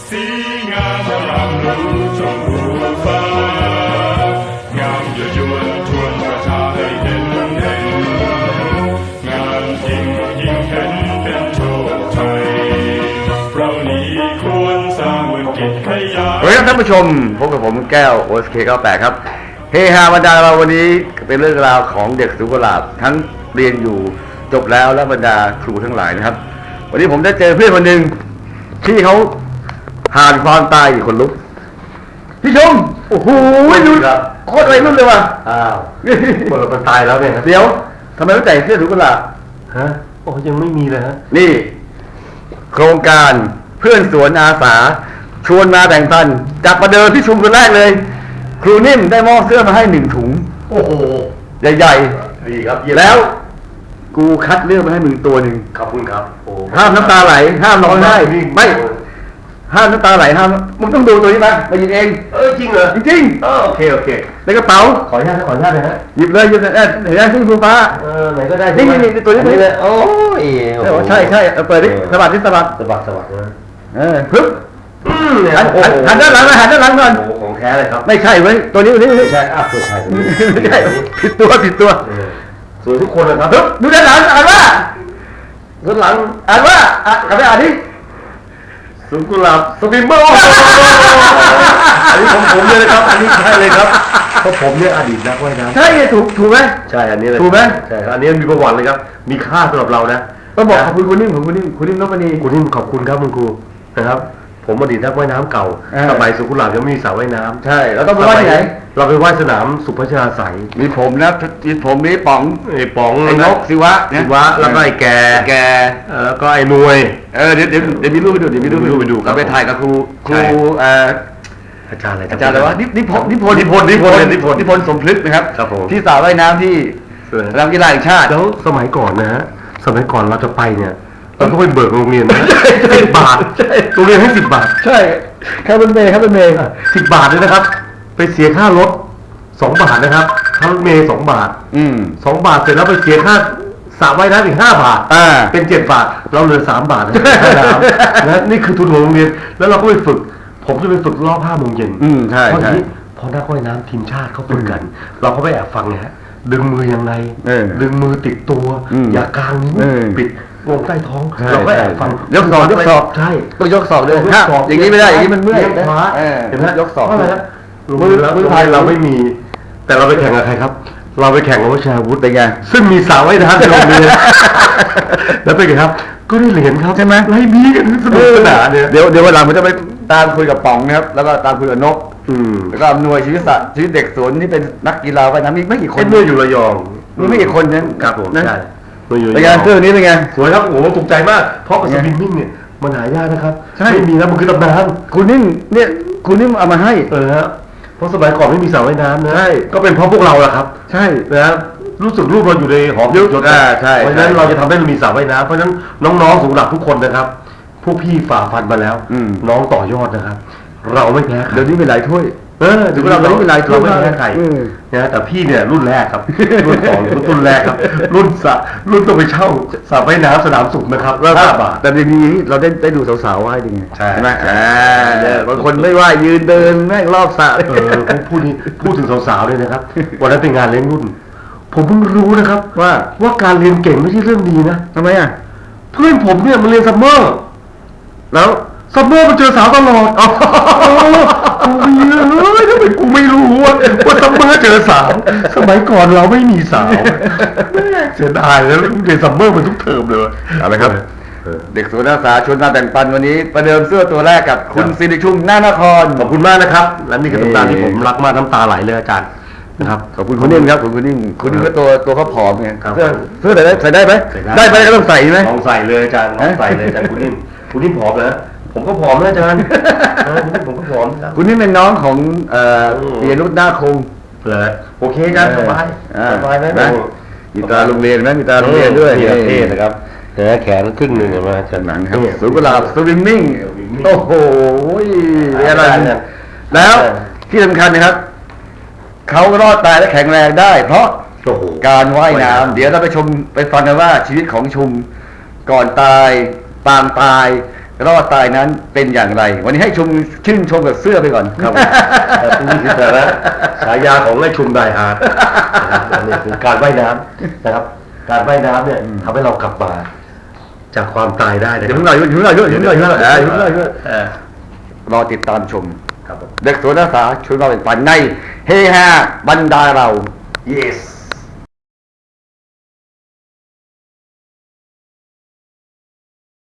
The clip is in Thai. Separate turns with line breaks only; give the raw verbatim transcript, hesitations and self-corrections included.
สีงามอรามรู้ชมพูฟ้างามยั่วยวนชวนประชาให้เห็นเห็นงามจริงยิ่งเห็นเป็นโชคชัยเรานี้ควรสร้างวิกฤตขยาย
สวัสดีครับท่านผู้ชมพบกับผมแก้ว โอ เอส เค เก้าสิบแปด ครับเฮฮาบรรดาเราวันนี้เป็นเรื่องราวของเด็กสุกุหลาบทั้งเรียนอยู่จบแล้วและบรรดาครูทั้งหลายนะครับวันนี้ผมได้เจอเพื่อนคนหนึ่งที่เขาผ่านความตายอีกคนลุกพี่ชมโอ้โหดูโคตรวัยรุ่นเลยว่ะ
อ้าวคนเราตายแล้วเนี่ย
เดี๋ยวทำไมต้องใส่เสื้อสุกุหลาบ
ฮะโอ้ยังไม่มีเลยฮะ
นี่โครงการเพื่อนสวนอาสาชวนมาแบ่งปันจากประเดิมที่ชุมคนแรกเลยครูนิ่มได้มอบเสื้อมาให้หนึ่งถุง
โอ้โห
ใหญ่
ดีครับ
ๆแล้วกูคัดเลือกมาให้มึงตัวหนึ่ง
ขอบคุณครับโอ้
ห้ามน้ำตาไหลห้ามร้องไห้ไม่ห้ามน้ำตาไหลห้ามมึงต้องดูตัวนี้นะมาหยิบเอง
เออจริงเหรอ
จริง
ๆเออโอเคโอเค
ในกระเป๋า
ขออนุญาตขออนุญาตเลยฮะ
หยิบเลยหยิบเลยเห็นไหมขึ้นฟ้า
เออไหนก็ได้
นี่นี่ตัวนี้
เลยโอ้ย
ใช่ใช่เปิดดิสะบัดดิสะบัด
สะบัดสะบัดนะ
เออปึ๊บหันด้านหลังหันด้านหลังก่อน
โอ้ของแท้เลยครับ
ไม่ใช่เว้ยตัวนี้ตัวนี้
ใช่อ้าวตัวใช่
ไม่ใช่ผิดตัวผิดตัว
สวยทุกคนเลยครับ
ดูด้านหลังอ่านว่าด้านหลังอ่านว่าอ่ะกลับไปอ่านดิ
สุกุหลาบสวิมเมอร์อันนี้ของผมเลยนะครับอันนี้ใช่เลยครับเพราะผมเนี่ยอดีตนักว่ายน้ำ
ใช่ไงถูกถูกไหม
ใช่อันนี้เลย
ถูกไหม
ใช่อันนี้มีประวัติเลยครับมีค่าสำหรับเรานะ
ต้องบอกขอบคุณคุณนิ่มของคุณนิ่มคุณนิ่มนพนี
คุณนิ่มขอบคุณครับคุณครูนะครับผมอดีตนักว่ายน้ำเก่าสมัยสุขุหลาบยังไม่มีสระว่ายน้ำ
ใช่เราต้องไปว่ายที่ไหน
เราไปว่ายสนามสุพัชราไส
มีผมนะมีผมมีป๋อง
ไอ้ป๋อง
ไอ้นกศิวะ
ศิวะแล้วก็ไอ้แก
แก
แล้วก็ไอ้นวย
เออเดี๋ยวเดี๋ยวเดี๋ยวมีรูปไปดูเดี๋ยวมีรูปไปดูเราไปถ่ายกับครูครูเอ่อ
อาจารย์อะไร
อาจารย์อะไรวะนิพนธ์นิพนธ์
นิพนธ์นิพนธ์นิพนธ์
นิพนธ์สมพฤกษ์นะครับ
ครับผม
ที่สระว่ายน้ำที่สนามกีฬาแห่งชาติ
แล้วสมัยก่อนนะฮะสมัยก่อนเราจะไปเนี่ยเราต้องไปเบิกโรงเรียนนะสิบบาทโรงเรียนให้สิบบาท
ใช่ค่าเป็นเมย์ค่าเป็นเมย์
สิบบาทเลยนะครับไปเสียค่ารถสองบาทนะครับค่ารถเมย์สองบาท
อืม
สองบาทเสร็จแล้วไปเสียค่าสระว่ายน้ำอีกห้าบาท
อ่า
เป็นเจ็ดบาทเราเหลือสามบาทนะนะนี่คือทุนของโรงเรียนแล้วเราก็ไปฝึกผมจะไปฝึกรอบห้าโมงเย็น
อืมใช่
เพราะนี้พอนักว่ายน้ำทีมชาติเขาฝึกกันเราก็ไปแอบฟังไงฮะดึงมือยังไงดึงมือติดตัวอย่ากางนิ้วปิดลงใต้ท้องเราก็แอบฟัง
ยกศอกยกศอก
ใช่
ต้องยกศอกด้วยอย่างนี้ไม่ได้อย่างนี้มันเมื่อย
เห็นไหม
ยกศอก
อะไรนะมือมือไทยเราไม่มีแต่เราไปแข่งกับใครครับเราไปแข่งกับวิชาวุฒิ
เป็นไง
ซึ่งมีสาวว่ายน้ำในโรงเรียนแล้วเป็นไงครับก็ได้เหรียญครับ
ใช่ไหม
ไล่บี้กันสนุกสนานเนี่ย
เดี๋ยวเดี๋ยววันหลังผมจะไปตามคุยกับป๋องนะครับแล้วก็ตามคุยกับนกแล้วก็อำนวยชีวิตสัตว์ชีวิตเด็กสวนนี่เป็นนักกีฬาว่ายน้ำมีไม่กี่คน
เมื่ออยู่ระยอง
มีไม่กี่คนนั้น
ครับผมใช่
เป็นไงเสื้อนี้เป็นไง
สวยครับโอ้โหถูกใจมากเพราะสวิมมิ่งเนี่ยมันหายากนะครับไม่มีนะมันคือตำนาน
คุณนิ่มเนี่ยคุณนิ่มเอามาให้
เออฮะเพราะสมัยก่อนไม่มีสระว่ายน้ำนะใช่ก็เป็นเพราะพวกเราแหละครับ
ใช่
นะรู้สึกรูปเราอยู่ในหอ
ยุ
ด
ใช่
เพราะฉะนั้นเราจะทำให้เรามีสระว่ายน้ำเพราะฉะนั้นน้องๆสุขุหลาบทุกคนนะครับพวกพี่ฝ่าฟันมาแล้วน้องต่อยอดนะครับเราไม่แพ้ใคร
เดี๋ยวนี้มีหลายถ้วย
เออถึงเราไม่เป็นไรเราไม่แพ้ใครนะแต่พี่เนี่ยรุ่นแรกครับรุ่นสองรุ่นแรกครับรุ่นสะรุ่นต้องไปเช่าสระว่ายน้ำสนามสุขนะครับห้าบาท
แต่ทีนี้เราได้ได้ดูสาวๆว่ายดีไง
ใช่
ไหมอ่าบางคนไม่ว่ายยืนเดินแม่งรอบสระ
เออพูดนี้พูดถึงสาวๆเลยนะครับวันนั้นเป็นงานเลี้ยงรุ่นผมเพิ่งรู้นะครับว่าว่าการเรียนเก่งไม่ใช่เรื่องดีนะ
ทำไมอ่ะ
เพื่อนผมเนี่ยมันเรียนซัมเมอร์แล้วซัมเมอร์มันเจอสาวตลอดกูเฮ้ยทำไมกูไม่รู้ว่าว่าซัมเมอร์เจอสาวสมัยก่อนเราไม่มีสาวเสียดายแล้วเรียนซัมเมอร์มันทุกเทอมเลย
อะไรครับเด็กสวนอาสาชวนมาแบ่งปันวันนี้ประเดิมเสื้อตัวแรกกับคุณสิริชุมหน้านคร
ขอบคุณมากนะครับและนี่คือน้ำตาที่ผมรักมากน้ำตาไหลเลยอาจารย์นะครับ
ขอบคุณคุณนิ่มครับขอบคุณคุณนิ่มคุณนิ่มก็ตัวตัวเขาผอมไงเสื้อเสื้อใส่ได้ใส่ได้ไหมได้ไหมก็ต้องใส่ไหม
ลองใส่เลยอาจารย์ลองใส่เลยอาจารย์คุณนิ่มคุณนิ่มผอมนะผมก็ผอมนะอาจารย์ผมก็ผอม
คุณนี่เป็นน้องของเอ่อเรียนรุ่นหน้าคง
เลยโอเคอาจารย์สบายสบายไหม
มีตาโรงเรียนไหมมีตาโรงเรียนด้วย
เท่นะครับแขนแขนครึ่งหนึ่งมาจาก
หนังครับสุกุหลาบสวิมมิ่งโอ้โหอะไรแล้วที่สำคัญนะครับเขารอดตายและแข็งแรงได้เพราะการว่ายน้ำเดี๋ยวเราไปชมไปฟังกันว่าชีวิตของชุมก่อนตายปางตายรอดตายนั้นเป็นอย่างไร วันนี้ให้ชมชื่นชมกับเสื้อไปก่อน
ครับแต่นี่คือแต่ละฉายาของไอ้ชุมไดฮาร์ดอันนี้คือการว่ายน้ำนะครับ การว่ายน้ำเนี่ยทำให้เรากลับมาจากความตายได้นะ
เดี๋
ค
ยว
รับ
เพิ่งหน่อยเดี๋ยวเพิ่งหน่อยเดี๋ยวเพิ่งหน่อยเดี๋ยวเพิ่งหน่อยเดี๋ยวเพิ่งหน่อย
เออ
รอติดตามชม
ครับผม
เด็กสวนอาสาช่วยเราเป็นฝันในเฮฮาบรรดาเรา
yes